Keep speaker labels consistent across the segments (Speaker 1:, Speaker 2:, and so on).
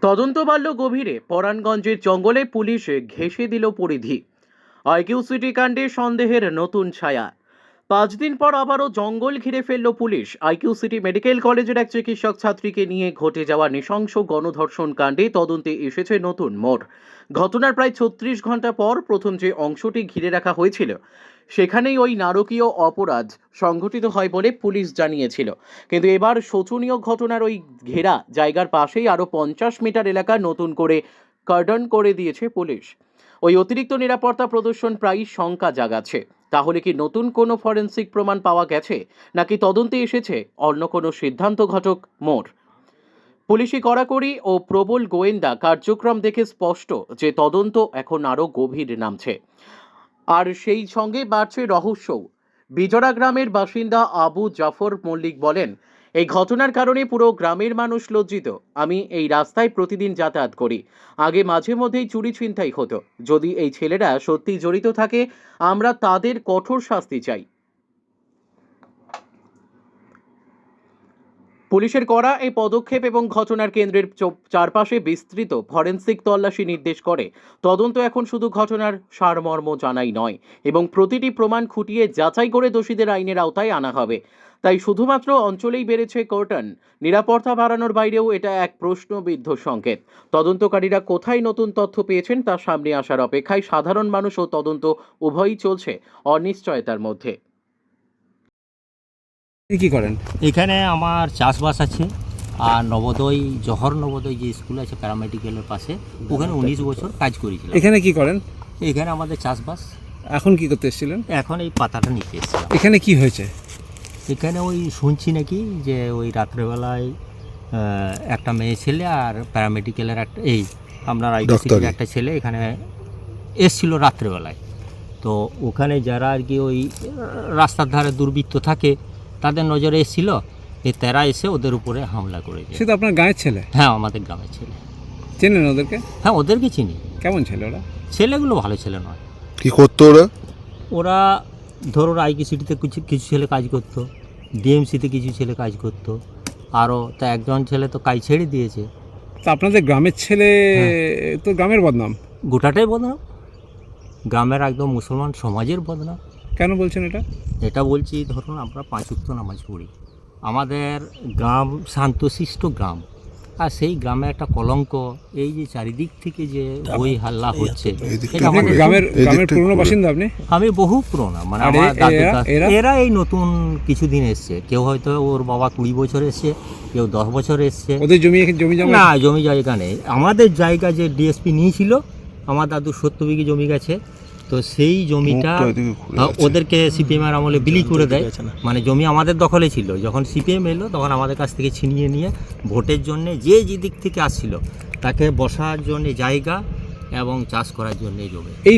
Speaker 1: তদন্ত বাড়ল গভীরে। পরাণগঞ্জের জঙ্গলে পুলিশ ঘেঁষে দিল পরিধি। আইকিউ সিটি কাণ্ডে সন্দেহের নতুন ছায়া। 5 দিন পর আবারও জঙ্গল ঘিরে ফেলল পুলিশ। আইকিউ সিটি মেডিকেল কলেজের এক চিকিৎসক ছাত্রীকে নিয়ে ঘটে যাওয়া নৃশংস গণধর্ষণ কাণ্ডে তদন্তে এসেছে নতুন মোড়। ঘটনার প্রায় 36 ঘন্টা পর প্রথম যে অংশটি ঘিরে রাখা হয়েছিল সেখানেই ওই নারকীয় অপরাধ সংঘটিত হয় বলে পুলিশ জানিয়েছিল। কিন্তু এবার শোচনীয় ঘটনার ওই ঘেরা জায়গার পাশেই আরও 50 মিটার এলাকা নতুন করে কর্ডন করে দিয়েছে পুলিশ। ওই অতিরিক্ত নিরাপত্তা প্রদর্শন প্রায়ই শঙ্কা জাগাচ্ছে। তাহলে কি নতুন কোনো ফরেনসিক প্রমাণ পাওয়া গেছে, নাকি তদন্তে এসেছে অন্য কোনো সিদ্ধান্তঘটক মোড়? পুলিশি কড়াকড়ি ও প্রবল গোয়েন্দা কার্যক্রম দেখে স্পষ্ট যে তদন্ত এখন আরও গভীর নামছে। আর সেই সঙ্গে বাড়ছে রহস্যও। বিজরা গ্রামের বাসিন্দা আবু জাফর মল্লিক বলেন, এই ঘটনার কারণে পুরো গ্রামের মানুষ লজ্জিত। আমি এই রাস্তায় প্রতিদিন যাতায়াত করি। আগে মাঝে মধ্যেই চুরি ছিনতাই হতো। যদি এই ছেলেরা সত্যি জড়িত থাকে, আমরা তাদের কঠোর শাস্তি চাই। পুলিশের করা এই পদক্ষেপ এবং ঘটনার কেন্দ্রের চারপাশে বিস্তৃত ফরেনসিক তল্লাশি নির্দেশ করে তদন্ত এখন শুধু ঘটনার সারমর্ম জানাই নয়, এবং প্রতিটি প্রমাণ খুঁটিয়ে যাচাই করে দোষীদের আইনের আওতায় আনা হবে। তাই শুধুমাত্র অঞ্চলেই বেড়েছে কর্টন, নিরাপত্তা বাড়ানোর বাইরেও এটা এক প্রশ্নবিদ্ধ সংকেত। তদন্তকারীরা কোথায় নতুন তথ্য পেয়েছেন তা সামনে আসার অপেক্ষায় সাধারণ মানুষ ও তদন্ত উভয়ই চলছে অনিশ্চয়তার মধ্যে।
Speaker 2: কি করেন?
Speaker 3: এখানে আমার চাষবাস আছে, আর নবোদয় জহর নবোদয় যে স্কুল আছে প্যারামেডিক্যালের পাশে, ওখানে 19 বছর কাজ করেছিলাম।
Speaker 2: এখানে কি করেন?
Speaker 3: এখানে আমাদের চাষবাস।
Speaker 2: এখন কি করতে এসেছিলেন?
Speaker 3: এখন এই পাতাটা নিতে এসেছিলাম।
Speaker 2: এখানে কি হয়েছে?
Speaker 3: এখানে ওই শুনছি নাকি যে ওই রাত্রেবেলায় একটা মেয়ে ছেলে আর প্যারামেডিক্যালের একটা আপনার আইডিসির একটা ছেলে এখানে এসছিল রাত্রেবেলায়। তো ওখানে যারা আর কি ওই রাস্তার ধারে দুর্বৃত্ত থাকে তাদের নজরে এসেছিল, তারা এসে ওদের উপরে হামলা করেছে।
Speaker 2: সে তো আপনার গাঁয়ের ছেলে?
Speaker 3: হ্যাঁ, আমাদের গ্রামের ছেলে।
Speaker 2: চেনেন ওদেরকে?
Speaker 3: হ্যাঁ, ওদেরকে চিনি।
Speaker 2: কেমন ছেলে ওরা?
Speaker 3: ছেলেগুলো ভালো ছেলে নয়।
Speaker 4: কি করতো ওরা?
Speaker 3: ওরা ধরুন আইকি সিটিতে কিছু ছেলে কাজ করতো, ডিএমসিতে কিছু ছেলে কাজ করতো, আরও তা একজন ছেলে তো কাজ ছেড়ে দিয়েছে।
Speaker 2: তা আপনাদের গ্রামের ছেলে তো গ্রামের বদনাম।
Speaker 3: গোটাটাই বদনাম, গ্রামের একদম মুসলমান সমাজের বদনাম।
Speaker 2: কেন বলছেন এটা?
Speaker 3: এটা বলছি, ধরুন আমরা 5 ওয়াক্ত নামাজ পড়ি, আমাদের গ্রাম শান্তশিষ্ট গ্রাম, আর সেই গ্রামে একটা কলঙ্ক। এই যে চারিদিক থেকে যে ওই হাল্লা হচ্ছে, এটা আমাদের
Speaker 2: গ্রামের পুরনো বাসিন্দা আপনি?
Speaker 3: আমি বহু পুরোনো, মানে আমার এরা এই নতুন কিছুদিন এসছে। কেউ হয়তো ওর বাবা 20 বছর এসছে, কেউ 10 বছর এসছে।
Speaker 2: ওদের জমি
Speaker 3: না, জমি জায়গা নেই। আমাদের জায়গা যে ডিএসপি নিয়েছিল, আমার দাদু 70 বিঘে জমি গেছে। তো সেই জমিটা ওদেরকে সিপিএমের আমলে বিলি করে দেয়। মানে জমি আমাদের দখলে ছিল, যখন সিপিএম এলো তখন আমাদের কাছ থেকে ছিনিয়ে নিয়ে ভোটের জন্য যে দিক থেকে আসছিল তাকে বসার জন্য জায়গা এবং চাষ করার জন্য জমি। এই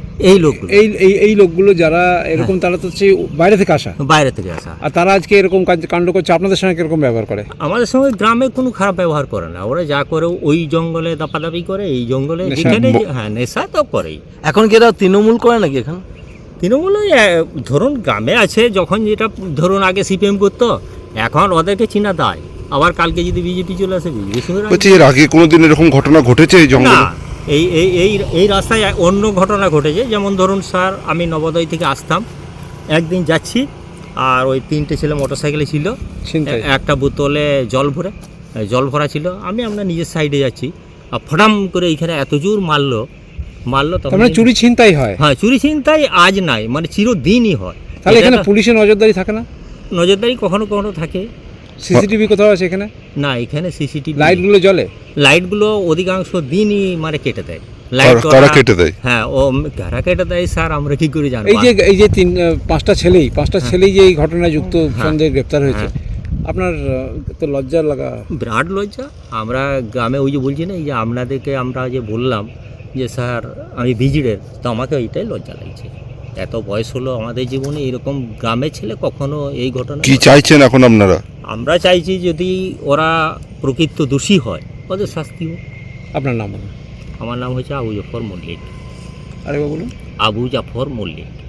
Speaker 2: লোকগুলো যারা এরকম, তারা তো বাইরে থেকে আসা। আর তারা আজকে এরকম কাণ্ড করছে, আপনাদের সঙ্গে কিরকম ব্যবহার করে?
Speaker 3: আমাদের সঙ্গে গ্রামে কোনো খারাপ ব্যবহার করে না। ওরা যা করে ওই জঙ্গলে দাপাদাপি করে, এই জঙ্গলে যেখানে হ্যাঁ নেশা তো করেই।
Speaker 5: এখন কি এরা তৃণমূল করে নাকি? এখন
Speaker 3: তৃণমূল ধরুন গ্রামে আছে, যখন যেটা ধরুন আগে সিপিএম করতো, এখন ওদেরকে চিনা দেয়। আবার কালকে যদি বিজেপি চলে আসে, বিজেপি।
Speaker 4: এর আগে কোনোদিন এরকম ঘটনা ঘটেছে এই জঙ্গলে?
Speaker 3: এই রাস্তায় অন্য ঘটনা ঘটেছে। যেমন ধরুন স্যার, আমি নবোদয় থেকে আসতাম, একদিন যাচ্ছি, আর ওই 3টে ছেলে মোটরসাইকেলে ছিল, একটা বোতলে জল ভরা ছিল। আমি আমরা নিজের সাইডে যাচ্ছি, আর ফটাম করে এইখানে এত জোর মারলো।
Speaker 2: তখন চুরি ছিনতাই হয়?
Speaker 3: হ্যাঁ, চুরি ছিনতাই আজ নাই, মানে চিরদিনই হয়।
Speaker 2: তাহলে এখানে পুলিশের নজরদারি থাকে না?
Speaker 3: নজরদারি কখনো কখনো থাকে।
Speaker 2: সিসিটিভি কোথাও আছে এখানে?
Speaker 3: না, এখানে সিসিটিভি।
Speaker 2: লাইটগুলো জ্বলে?
Speaker 3: লাইটগুলো অধিকাংশ দিনই মানে কেটে দেয়।
Speaker 4: কারা কেটে দেয়?
Speaker 3: হ্যাঁ, ও কারা কেটে দেয় স্যার, আমরা কি করে জানবো?
Speaker 2: এই যে 5টা ছেলেই যে এই ঘটনায় যুক্ত সন্দেহে গ্রেপ্তার হয়েছে, আপনার তো লজ্জা লাগা?
Speaker 3: বিরাট লজ্জা। আমরা গ্রামে ওই যে বলছি না, এই যে আপনাদেরকে আমরা যে বললাম যে স্যার আমি ভিজিটের, তো আমাকে এইটাই লজ্জা লাগছে। এত বয়স হলো আমাদের জীবনে, এরকম গ্রামের ছেলে কখনো এই ঘটনা।
Speaker 4: কি চাইছেন এখন আপনারা?
Speaker 3: আমরা চাইছি যদি ওরা প্রকৃত দোষী হয়, ওদের শাস্তি হোক।
Speaker 2: আপনার নাম?
Speaker 3: আমার নাম হচ্ছে আবু জাফর মল্লিক।
Speaker 2: আরেকবার বলুন।
Speaker 3: আবু জাফর মল্লিক।